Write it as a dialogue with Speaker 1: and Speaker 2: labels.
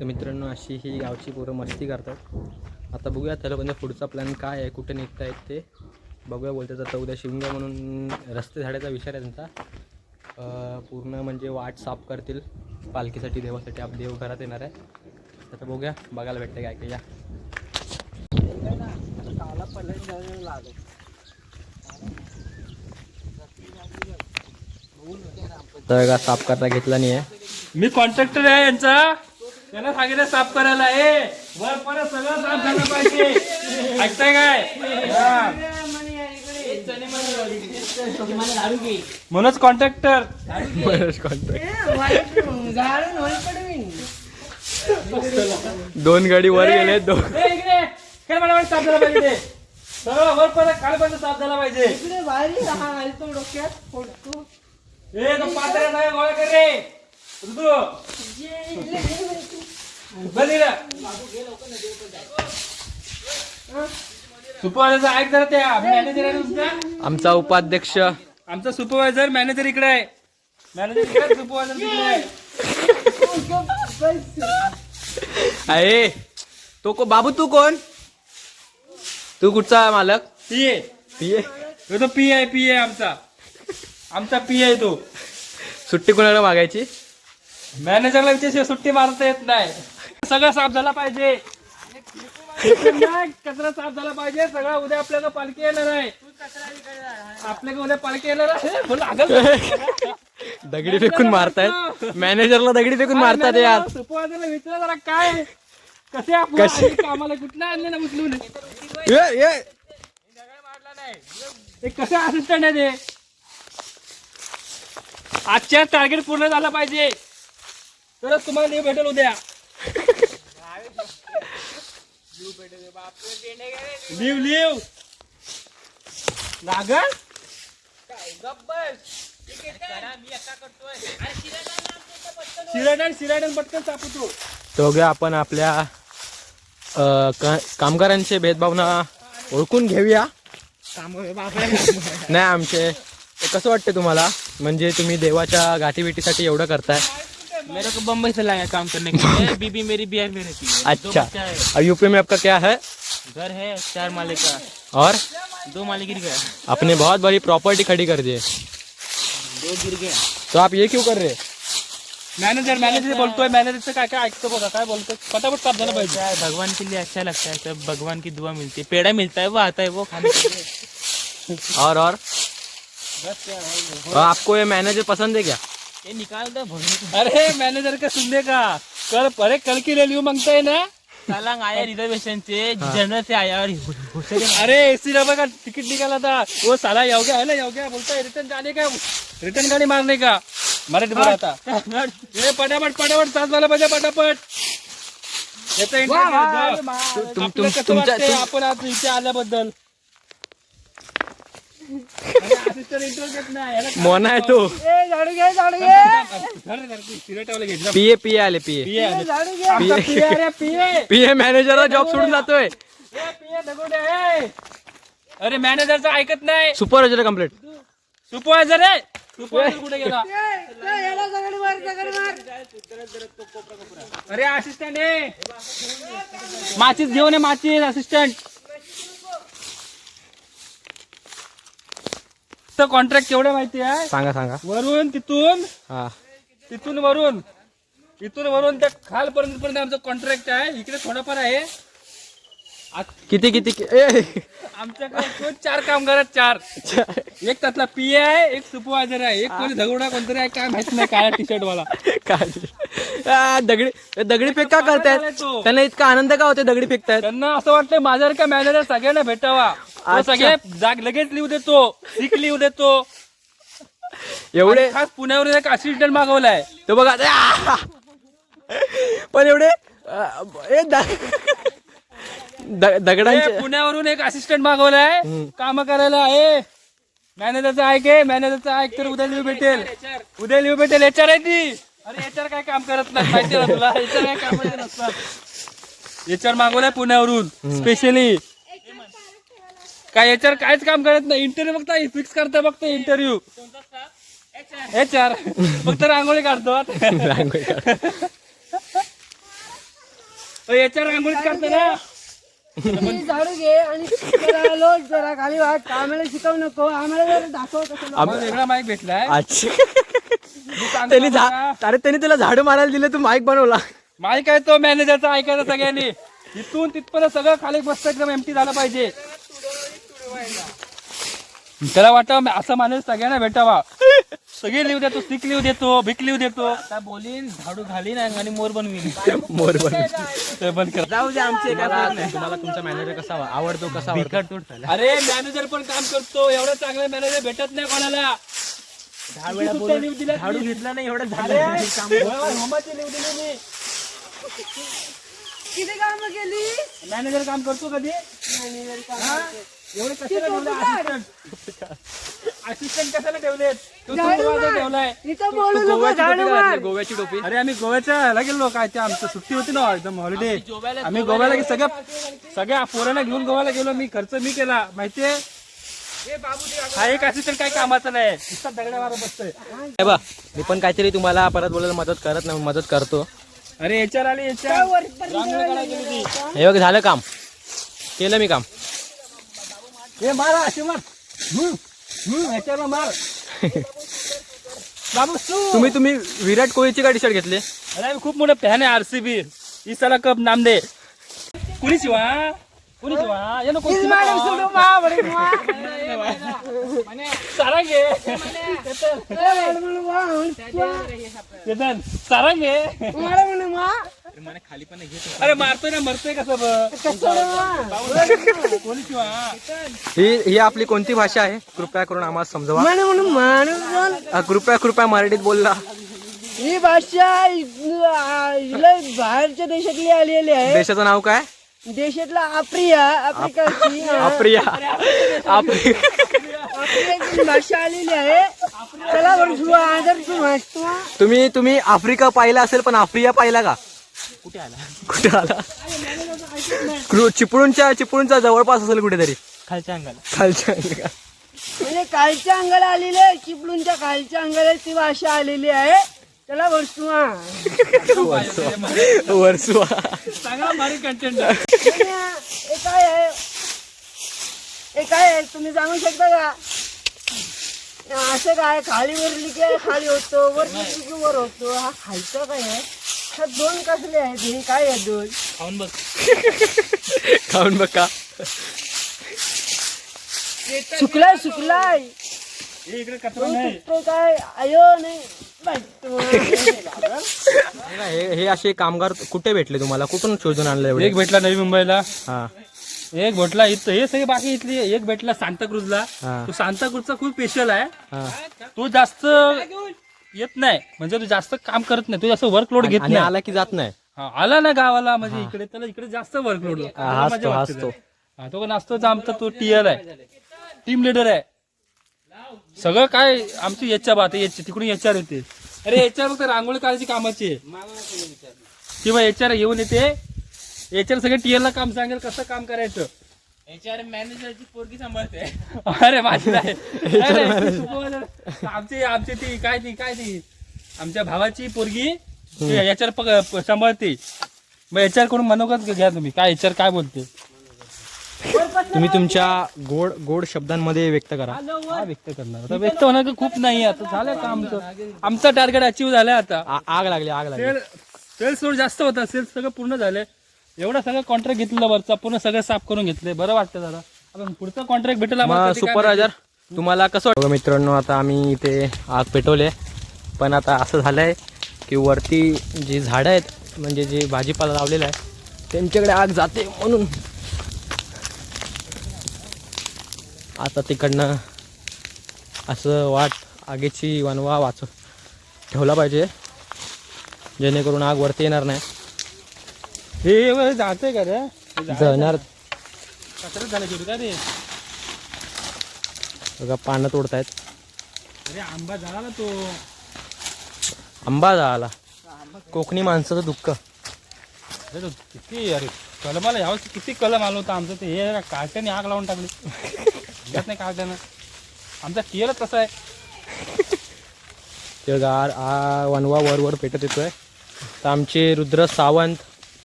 Speaker 1: तर मित्रांनो अशी ही गावची पोरं मस्ती करतात. आता बघूया त्याला म्हणजे पुढचा प्लॅन काय आहे, कुठे निघता आहेत ते बघूया. बोलतात आता उद्या शिवगा म्हणून रस्ते झाडायचा विचार आहे त्यांचा. पूर्ण म्हणजे वाट साफ करतील पालखीसाठी, देवासाठी. आप देव घरात येणार आहे. आता बघूया, बघायला भेटते काय काय. या तर का साफ करता घेतला नाही आहे.
Speaker 2: मी कॉन्ट्रॅक्टर आहे यांचा, त्यांना सांगितलं साफ करायला. वर परत सगळं साफ झालं पाहिजे. ऐकताय काय? मनोज कॉन्ट्रॅक्टर.
Speaker 1: दोन गाडी वर गेले.
Speaker 2: साफ झाला पाहिजे. सगळं वर परत खालपर्यंत साफ झाला पाहिजे. तो पात्र्या नाही गोळा कर रे ऋतू. सुपरवायझर ऐक जरा, त्या मॅनेजर आहे तुमचा.
Speaker 1: आमचा उपाध्यक्ष,
Speaker 2: आमचा सुपरवायझर मॅनेजर इकडे आहे. मॅनेजर इकडे, सुपरवायझर तिकडे
Speaker 1: आहे. तो को बाबू, तू कोण? तू कुठचा मालक?
Speaker 2: पीए.
Speaker 1: पीए?
Speaker 2: तो पी आहे आमचा पी आहे. तो
Speaker 1: सुट्टी कोणाला मागायची?
Speaker 2: मॅनेजरला विषय सुट्टी मारता येत नाही. सगळं साफ झाला पाहिजे. कचरा साफ झाला पाहिजे सगळं. उद्या आपल्याला पालखी येणार आहे. आपल्याला उद्या पालखी येणार आहे.
Speaker 1: दगडी फेकून मारतायत मॅनेजरला, दगडी फेकून मारतात यार.
Speaker 2: सुपरवायझरला विचारा जरा, काय कसे आपण कामाला कुठला आणले ना उचलून. ते कसे असिस्टंट आहे ते. आजच्या टार्गेट पूर्ण झाला पाहिजे तरच तुम्हाला लिव्ह भेटेल उद्या. लिव्ह लागल. शिराडन पटकन सापडतो.
Speaker 1: तो बघा, आपण आपल्या कामगारांचे भेदभावना ओळखून घेऊया. नाही आमचे कसं वाटते तुम्हाला? म्हणजे तुम्ही देवाच्या गाठीभेटीसाठी एवढं करताय.
Speaker 2: मेरे को बम्बई से लाया काम करने के लिए. बीबी मेरी बिहार में रहती है.
Speaker 1: अच्छा. और यूपी में आपका क्या है?
Speaker 2: घर है 4 माले का
Speaker 1: और
Speaker 2: 2 माले गिर गया.
Speaker 1: अपने बहुत बड़ी प्रॉपर्टी खड़ी कर दिए.
Speaker 2: 2 गिर गया.
Speaker 1: तो आप ये क्यों कर रहे?
Speaker 2: मॅनेजर बोलतोय. मॅनेजरचं काय काय ऐकतो बघा, काय बोलतोय. फटाफट साफ झालं पाहिजे. भगवान के लिए अच्छा लगता है. सब भगवान की दुआ मिलती है. पेड़ा मिलता है, वो आता है वो खाने के लिए.
Speaker 1: और आपको ये मैनेजर पसंद है क्या?
Speaker 2: ये निकाल दो. अरे मैनेजर का सुनने का. कल की ले लियो मांगता है ना. साला आया रिजर्वेशन से, जनरल से आया. और अरे एसी डब्बा का टिकट निकाला था. वो साला योग्य है ना, योग्य बोलता है रिटर्न जाने का, रिटर्न गाड़ी मारने का. मराठी बोला था. ये पटापट साथ वाला पाहिजे पटापट. आपण आज इथे आल्याबद्दल
Speaker 1: मोना आहे तो. पीए पीए आले. पीए पीए मॅनेजरला जॉब सोडून जातोय.
Speaker 2: अरे मॅनेजरचं ऐकत नाही.
Speaker 1: Supervisor complete.
Speaker 2: सुपरवायझर आहे. सुपरवायझर कुठे गेला? अरे असिस्टंट आहे. माचीस घेऊन ये, माचीस. असिस्टंट कॉन्ट्रॅक्ट केवढं माहिती आहे?
Speaker 1: सांगा.
Speaker 2: वरून तिथून,
Speaker 1: हा,
Speaker 2: इथून वरून त्या खालपर्यंत आमचं कॉन्ट्रॅक्ट आहे. इकडे थोडंफार आहे.
Speaker 1: किती
Speaker 2: आमच्याकडे 4 कामगार आहेत. 4. एक त्यातला पीए आहे, एक सुपरवायझर आहे, एक कोणी झगडा कोणतरी आहे, काय माहित नाही. काळ्या टी शर्ट वाला.
Speaker 1: काय दगडी फेक का करतायत? त्यांना इतका आनंद का होते दगडी फेकतायत?
Speaker 2: त्यांना असं वाटतं माझ्यावर का मॅनेजर सगळ्यांना भेटावा. सगळे लगेच लिहू देतो, सिक लिहू देतो.
Speaker 1: एवढे
Speaker 2: खास पुण्यावरून एक असिस्टंट मागवलाय.
Speaker 1: तो बघा. पण एवढे दगडांचे
Speaker 2: पुण्यावरून एक असिस्टंट मागवलाय काम करायला. मॅनेजरचं ऐक तर उद्या लिव्ह भेटेल. एचआर आहे ती. अरे एचआर काय काम करत नाही माहिती ना तुला. एचआर काय काम नसतात. एचआर मागवलाय पुण्यावरून स्पेशली. काय एचआर काहीच काम करत नाही. इंटरव्ह्यू फक्त फिक्स करता फक्त इंटरव्ह्यू. एचआर फक्त रांगोळी काढतो. याच्यावर रांगोळीच काढतो ना.
Speaker 3: झाडू घे आणि जरा लोट जरा खाली वाट. आम्हाला शिकवू नको, आम्हाला जरा दाखव कसं.
Speaker 2: आम्हाला वेगळा माईक भेटलाय.
Speaker 1: अरे त्यांनी तुला झाडू मारायला दिलं, तू माईक बनवला.
Speaker 2: माईक आहे तो मॅनेजरचा ऐकायचा सगळ्यांनी. इथून तिथपर्यंत सगळं खाली मस्त एकदम एमटी झालं पाहिजे. त्याला वाटतं असं माणूस सगळ्यांना भेटावा. सगळे लिहू देतो, स्टिक लिहू देतो, भीक लिहू देतो. बोलीन झाडू घालीन आणि मोर बनवीन.
Speaker 1: मोर
Speaker 2: ते बंद कर. जाऊ दे आमचे काय नाही.
Speaker 1: तुम्हाला तुमचा मॅनेजर कसा आवडतो, कसा आवडतो?
Speaker 2: अरे मॅनेजर पण काम करतो. एवढं चांगलं मॅनेजर भेटत नाही कोणाला.
Speaker 1: झाडू घेतला नाही एवढं झालं.
Speaker 2: होमाची लिहू दिली मी.
Speaker 3: किती कामं केली
Speaker 2: मॅनेजर काम करतो कधी? एवढे कशाला ठेवले? असिस्टंट कशाला ठेवलेत? तो supervisor ठेवलाय.
Speaker 3: इथं बोलू नको, झाडू मार.
Speaker 1: गोव्याची टोपी.
Speaker 2: अरे आम्ही गोव्याच्या ह्याला गेलो. काय ते आमचं सुट्टी होती ना एकदम हॉलिडे. आम्ही गोव्याला सगळ्या पोरांना घेऊन गोव्याला गेलो. मी खर्च मी केला माहितीये. हा एक असिस्टंट काय कामाचा नाही. नुसता दगडावर बसतोय.
Speaker 1: हे बघ, मी पण काहीतरी तुम्हाला परत बोलायला मदत करतो.
Speaker 2: अरे याच्यावर आले
Speaker 1: हे बघ, झालं काम, केलं मी काम.
Speaker 2: हे मारा असे मार. याच्यावर मार. बाबू
Speaker 1: तुम्ही विराट कोहलीची का टी शर्ट घेतली?
Speaker 2: अरे आम्ही खूप मोठं फॅन आहे आरसीबी. इसाला कप नाम दे. कुणी शिवा ये नको सारंगे सारंगे. अरे मारतोय ना, मरतोय कसं कोणी शिवा.
Speaker 1: ही आपली कोणती भाषा आहे? कृपया करून आम्हाला समजवा. कृपया मराठीत बोलला.
Speaker 3: ही भाषा बाहेरच्या देशातली आलेली आहे.
Speaker 1: देशाचं नाव काय?
Speaker 3: देशातला आफ्रिकाची भाषा आलेली आहे. चला
Speaker 1: तुम्ही आफ्रिका पाहिला असेल, पण आफ्रिका पाहिला का? कुठे आला? चिपळूणच्या जवळपास असेल कुठेतरी. खालच्या अंगाला
Speaker 3: म्हणजे खालच्या अंगाला आलेली आहे. चिपळूणच्या खालच्या अंगाला ती भाषा आलेली आहे. त्याला
Speaker 1: वर्सुवा.
Speaker 2: चांगला भारी कंटेंट.
Speaker 3: हे काय आहे तुम्ही सांगू शकता का? असं काय खाली वरली की खाली होतो, वरली की वर होतो. हा खालचा काय आहे? हा दोन कसले आहेत? हे काय आहे दोन?
Speaker 1: खाऊन बघ का.
Speaker 3: सुकलाय
Speaker 2: इकडे कचरा नाही.
Speaker 3: काय आयो नाही.
Speaker 1: हे असे कामगार कुठे भेटले तुम्हाला? कुठून शोधून आणलं एवढे?
Speaker 2: एक भेटला नवी मुंबईला.
Speaker 1: हा,
Speaker 2: एक भेटला इथं. हे सगळे बाकी इथली. एक भेटला सांताक्रूजला. तो सांताक्रूजचा खूप स्पेशल आहे. तो जास्त येत नाही, म्हणजे तू जास्त काम करत नाही, तू जास्त वर्कलोड घेत नाही.
Speaker 1: आला की जात नाही.
Speaker 2: आला ना गावाला म्हणजे इकडे, त्याला इकडे जास्त वर्कलोड. तो पण असतोच आमचा. तो टीएल आहे, टीम लीडर आहे. सगळं काय आमची याच्या बात आहे. तिकडून एचआर येते. अरे एचआर फक्त रांगोळी काढायची कामाची आहे किंवा एचआर येऊन येते. एचआर सगळे टीएल ला काम सांगेल कसं काम करायचं. एचआर मॅनेजरची पोरगी सांभाळते. अरे माझी नाही. आमची ती काय ती आमच्या भावाची पोरगी एचआर सांभाळते. मग एचआर कडून मनोगत घ्या तुम्ही. काय एचआर काय बोलते
Speaker 1: तुम्ही तुमच्या गोड शब्दांमध्ये व्यक्त करा.
Speaker 2: व्यक्त करणार आता. व्यक्त होणार खूप नाही. आता झालं का आमचं टार्गेट अचीव्ह झालंय. आता
Speaker 1: आग लागली.
Speaker 2: सेल्स लोड जास्त होता. सेल्स सगळं पूर्ण झाले. एवढं सगळं कॉन्ट्रॅक्ट घेतलेलं वरचा पूर्ण सगळं साफ करून घेतले. बरं वाटतं जरा. आपण पुढचा कॉन्ट्रॅक्ट भेटेल आम्हाला.
Speaker 1: सुपरवायझर तुम्हाला कसं वाटतं? मित्रांनो, आता आम्ही इथे आग पेटवले, पण आता असं झालंय की वरती जी झाडं आहेत, म्हणजे जे भाजीपाला लावलेला आहे, त्यांच्याकडे आग जाते. म्हणून आता तिकडनं असं आगीची वनवा ठेवला पाहिजे, जेणेकरून आग वरती येणार नाही.
Speaker 2: हे जाते का रे?
Speaker 1: जळणार.
Speaker 2: कचरा झाला शेवटी का रे?
Speaker 1: बघा पानं तोडतायत.
Speaker 2: अरे आंबा झाला ना तो.
Speaker 1: आंबा झाला. कोकणी माणसाचं दुःख.
Speaker 2: किती अरे कलमाला यावर्षी किती कलम आलं होतं आमचं. ते हे काट्याने आग लावून टाकली. नाही काट्यानं. आमचा टीएलच तसा आहे.
Speaker 1: ते वनवा वर पेटत येतोय. तर आमचे रुद्र सावंत